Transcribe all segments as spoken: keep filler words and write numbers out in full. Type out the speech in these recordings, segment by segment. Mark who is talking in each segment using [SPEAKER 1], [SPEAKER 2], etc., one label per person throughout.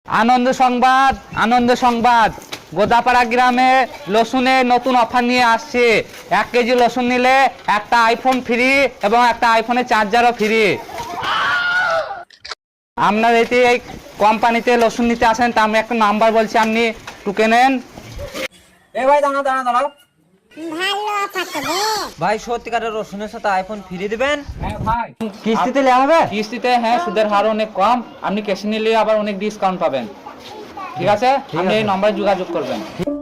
[SPEAKER 1] আনন্দ সংবাদ আনন্দ সংবাদ গোদাপাড়া গ্রামে রসুনের নতুন অফার নিয়ে আসছে। এক কেজি রসুন নিলে একটা আইফোন ফ্রি এবং একটা আইফোনের চার্জারও ফ্রি। আপনার এতে এই কোম্পানিতে রসুন নিতে আসেন, তা আমি একটা নাম্বার বলছি, আপনি টুকে নেন।
[SPEAKER 2] এ ভাই দাঁড়াও দাঁড়াও দাঁড়াও
[SPEAKER 3] ভালো অফার তো বে।
[SPEAKER 2] ভাই সত্যিকারের রসুনের সাথে আইফোন ফ্রি দিবেন?
[SPEAKER 1] হ্যাঁ ভাই,
[SPEAKER 2] কিস্তিতে নেওয়া হবে?
[SPEAKER 1] কিস্তিতে, হ্যাঁ, সুদের হার অনেক কম, আপনি ক্যাশে নিলে আবার অনেক ডিসকাউন্ট পাবেন। ঠিক আছে, আপনি এই নম্বরে যোগাযোগ করবেন।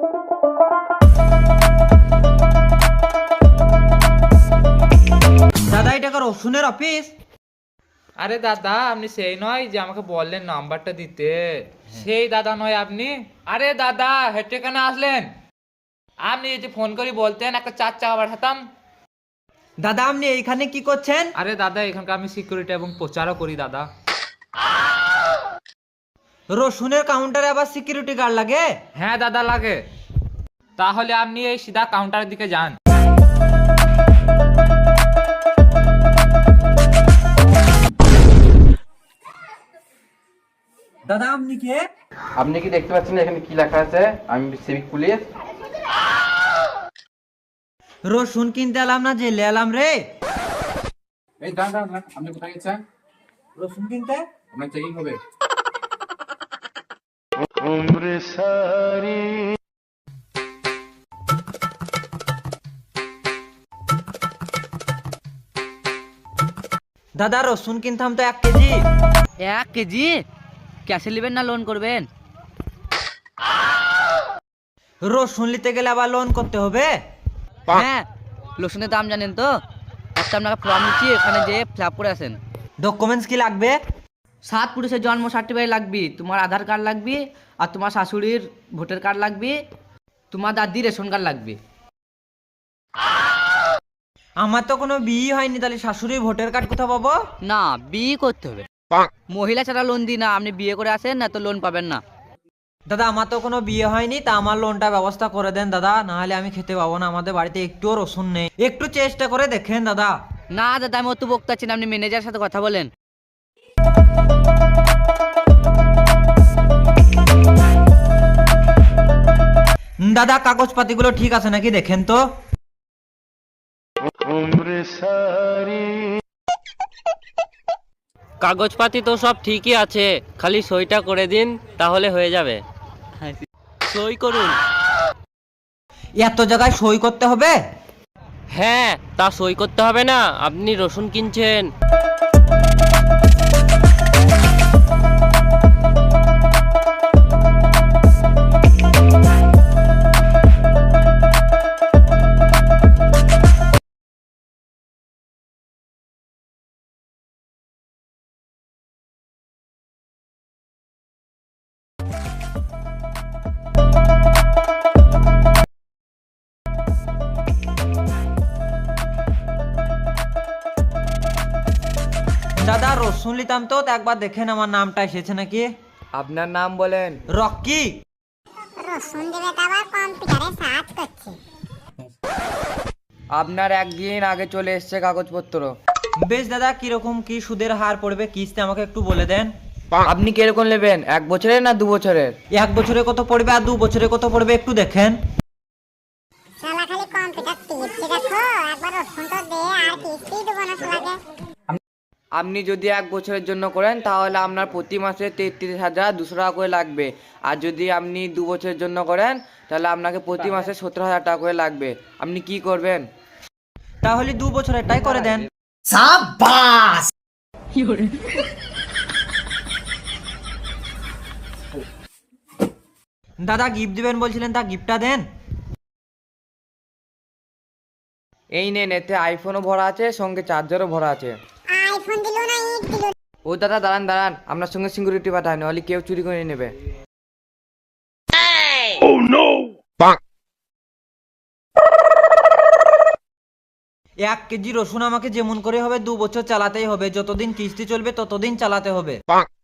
[SPEAKER 2] দাদা এটা কি রসুনের অফিস?
[SPEAKER 1] আরে দাদা, আপনি সেই নয় যে আমাকে বললেন নাম্বারটা দিতে? সেই দাদা নয় আপনি? আরে দাদা, হেঁটে কেন আসলেন? আপনি যদি ফোন করে বলতেন একটা চার চাকা পাঠাতাম।
[SPEAKER 2] দাদা আপনি এইখানে কি করছেন?
[SPEAKER 1] আরে দাদা, এখানকার আমি সিকিউরিটি এবং প্রচারও করি দাদা।
[SPEAKER 2] রসুনের কাউন্টারে আবার সিকিউরিটি গার্ড লাগে?
[SPEAKER 1] হ্যাঁ দাদা, লাগে। তাহলে আপনি এই সিধা কাউন্টারের দিকে যান।
[SPEAKER 2] দাদা আপনি কে?
[SPEAKER 4] আপনি কি দেখতে পাচ্ছেন এখানে কি লেখা আছে? আমি সিভিক পুলিশ।
[SPEAKER 2] রসুন কিনতে এলাম না জেলে এলাম রে।
[SPEAKER 4] এই দাঁড়ান দাঁড়ান দাঁড়ান, আপনি কোথায় গেছেন?
[SPEAKER 2] রসুন কিনতে?
[SPEAKER 4] আপনার চেকিং হবে।
[SPEAKER 2] দাদা রসুন কিনতাম তো এক কেজি।
[SPEAKER 5] এক কেজি ক্যাশে নেবেন না লোন করবেন?
[SPEAKER 2] রসুন নিতে গেলে আবার লোন করতে হবে?
[SPEAKER 5] হ্যাঁ, রসুনের দাম জানেন তো? একটা আপনাকে ফর্ম দিচ্ছি, এখানে যেয়ে ফিল আপ করে আসেন।
[SPEAKER 2] ডকুমেন্টস কি লাগবে?
[SPEAKER 5] সাত পুরুষের জন্ম সার্টিফিকেট লাগবে, তোমার আধার কার্ড লাগবে, আর তোমার শাশুড়ির ভোটার কার্ড লাগবে, তোমার দাদির রেশন কার্ড লাগবে।
[SPEAKER 2] আমার তো কোনো বিয়ে হয়নি, তাহলে শাশুড়ি ভোটার কার্ড কোথাও পাবো?
[SPEAKER 5] না, বিয়ে করতে হবে। মহিলা ছাড়া লোন দিই না, আপনি বিয়ে করে আসেন, না তো লোন পাবেন না।
[SPEAKER 2] দাদা আমার তো কোনো বিয়ে হয়নি, তা আমার লোনটা ব্যবস্থা করে দেন দাদা, না হলে আমি খেতে পাবো না। আমাদের বাড়িতে একটুও রসুন নেই, একটু চেষ্টা করে দেখেন দাদা।
[SPEAKER 5] না দাদা, আমি অত বকতে চাচ্ছি না, আপনি ম্যানেজারের সাথে কথা বলেন।
[SPEAKER 2] দাদা কাগজপাতিগুলো ঠিক আছে নাকি দেখেন তো।
[SPEAKER 6] কাগজপাতি তো সব ঠিকই আছে, খালি সইটা করে দিন তাহলে হয়ে যাবে। সই করুন।
[SPEAKER 2] এত জায়গায় সই করতে হবে?
[SPEAKER 6] হ্যাঁ, তা সই করতে হবে না? আপনি রসুন কিনছেন।
[SPEAKER 2] দাদা রসুন নিতাম তো, তা একবার দেখেন আমার নামটা এসেছে নাকি।
[SPEAKER 1] আপনার নাম বলেন।
[SPEAKER 2] রকি।
[SPEAKER 3] রসুন দেবে তো আবার কম্পিউটারে সার্চ করছে।
[SPEAKER 1] আপনার একদিন আগে চলে এসছে কাগজপত্র।
[SPEAKER 2] বেশ দাদা, কিরকম কি সুদের হার পড়বে কিস্তি আমাকে একটু বলে দেন।
[SPEAKER 1] আপনি কিরকম নেবেন, এক বছরের না দু বছরের?
[SPEAKER 2] এক বছরে কত পড়বে আর দু বছরে কত পড়বে একটু দেখেন।
[SPEAKER 3] শালা খালি কম্পিউটার টিপছে দেখো, একবার রসুন তো দে আর কিস্তি দেবো না শালাকে।
[SPEAKER 1] আপনি যদি এক বছরের জন্য করেন তাহলে আপনার প্রতি মাসে তেত্রিশ হাজার দুশো টাকা করে লাগবে। আর যদি আপনি দু বছরের জন্য করেন তাহলে আপনাকে প্রতি মাসে সতেরো হাজার টাকা করে লাগবে। আপনি কি করবেন?
[SPEAKER 2] তাহলে দু বছরেরটাই করে দেন। দাদা গিফট দিবেন বলছিলেন, তা গিফটটা দেন।
[SPEAKER 1] এই নেন, এতে আইফোনও ভরা আছে, সঙ্গে চার্জারও ভরা আছে।
[SPEAKER 3] আইফোন দিলো না ইট দিলো?
[SPEAKER 1] ও দাদা দাঁড়ান দাঁড়ান, আপনার সঙ্গে সিকিউরিটি পাঠায়, নাহলে কেউ চুরি করে নেবে।
[SPEAKER 2] এক কেজি রসুন আমাকে যেমন করে হবে দু বছর চালাতেই হবে, যতদিন কিস্তি চলবে ততদিন চালাতে হবে।